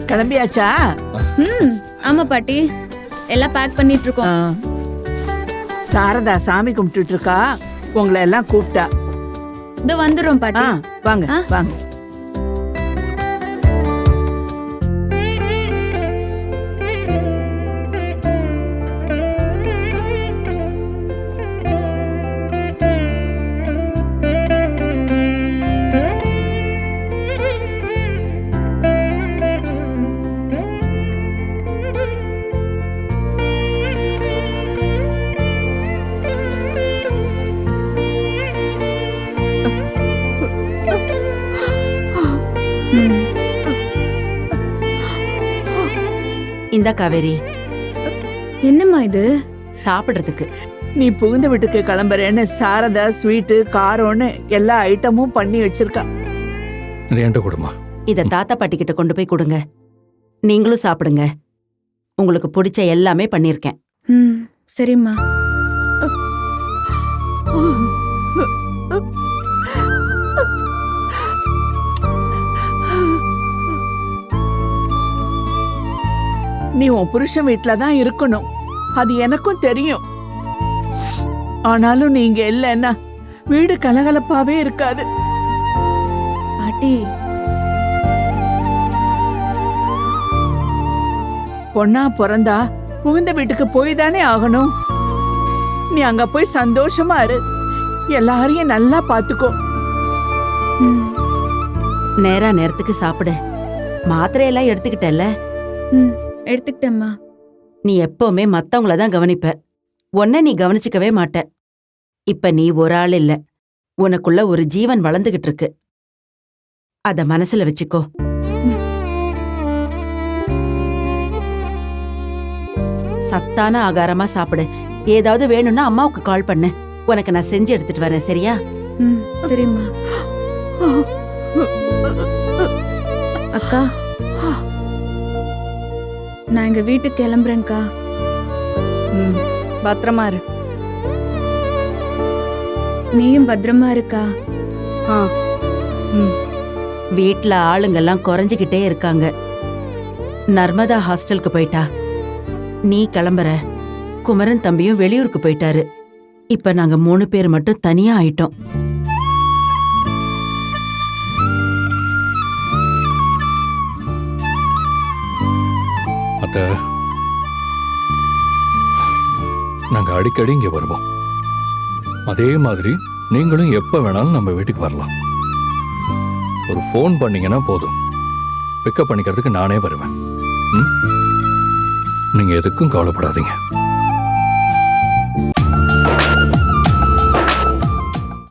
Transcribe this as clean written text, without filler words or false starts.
கிளம்பியாச்சா? ஆமா பாட்டி, எல்லாம் பேக் பண்ணிட்டு இருக்கோம். சாரதா சாமி கும்பிட்டுட்டு இருக்கா, உங்களை எல்லாம் கூப்பிட்டா. இதோ வந்துரும் பாட்டி. வாங்க வாங்க. இந்த காவேரி, என்னம்மா இது? சாப்பிடுறதுக்கு. நீ புகுந்த வீட்டுக்கு கிளம்புறேன்னு சாரதா ஸ்வீட்டு காரம்னு எல்லா ஐட்டமும் பண்ணி வச்சிருக்கா. இத தாத்தா பாட்டி கிட்ட கொண்டு போய் கொடுங்க. நீங்களும் சாப்பிடுங்க. உங்களுக்கு பிடிச்ச எல்லாமே பண்ணிருக்கேன். சரிம்மா. நீ உன் புருஷன் வீட்டுல தான் இருக்கணும், அது எனக்கும் தெரியும். ஆனாலும் நீங்க இல்லைன்னா வீடு கலகலப்பாவே இருக்காது. பாட்டி, பொண்ணா பிறந்தா புகுந்த வீட்டுக்கு போய் தானே ஆகணும். நீ அங்க போய் சந்தோஷமா இரு, எல்லாரையும் நல்லா பாத்துக்கோ. நேரா நேரத்துக்கு சாப்பிடு. மாத்திரையெல்லாம் எடுத்துக்கிட்டல்ல? எடுத்துக்கிட்டேம்மா. நீ எப்பவுமே மத்தவங்கள தான் கவனிப்ப, உன்னை நீ கவனிச்சுக்கவே மாட்ட. இப்ப நீ ஒரு ஆள் இல்ல, உனக்குள்ள ஒரு ஜீவன் வளர்ந்துகிட்டு இருக்கு. அத மனசுல வச்சுக்கோ. சத்தான ஆகாரமா சாப்பிடு. ஏதாவது வேணும்னா அம்மாவுக்கு கால் பண்ணு, உனக்கு நான் செஞ்சு எடுத்துட்டு வரேன். சரியா? சரிம்மா. அக்கா, நான் எங்க வீட்டுக்கு கிளம்புறேன்க்கா. பத்திரமா இரு. நீயும் பத்திரமா இருக்கா? வீட்ல ஆளுங்கெல்லாம் குறைஞ்சுகிட்டே இருக்காங்க. நர்மதா ஹாஸ்டலுக்கு போயிட்டா. நீ கிளம்புற. குமரன் தம்பியும் வெளியூருக்கு போயிட்டாரு. இப்ப நாங்க 3 பேர் மட்டும் தனியா ஆயிட்டோம். நாங்க அடிக்கடி இங்க வருவோம். அதே மாதிரி நீங்களும் எப்ப வேணாலும் நம்ம வீட்டுக்கு வரலாம். ஒரு ஃபோன் பண்ணீங்கன்னா போதும், பிக்கப் பண்ணிக்கிறதுக்கு நானே வருவேன். நீங்க எதுக்கும் கவலைப்படாதீங்க.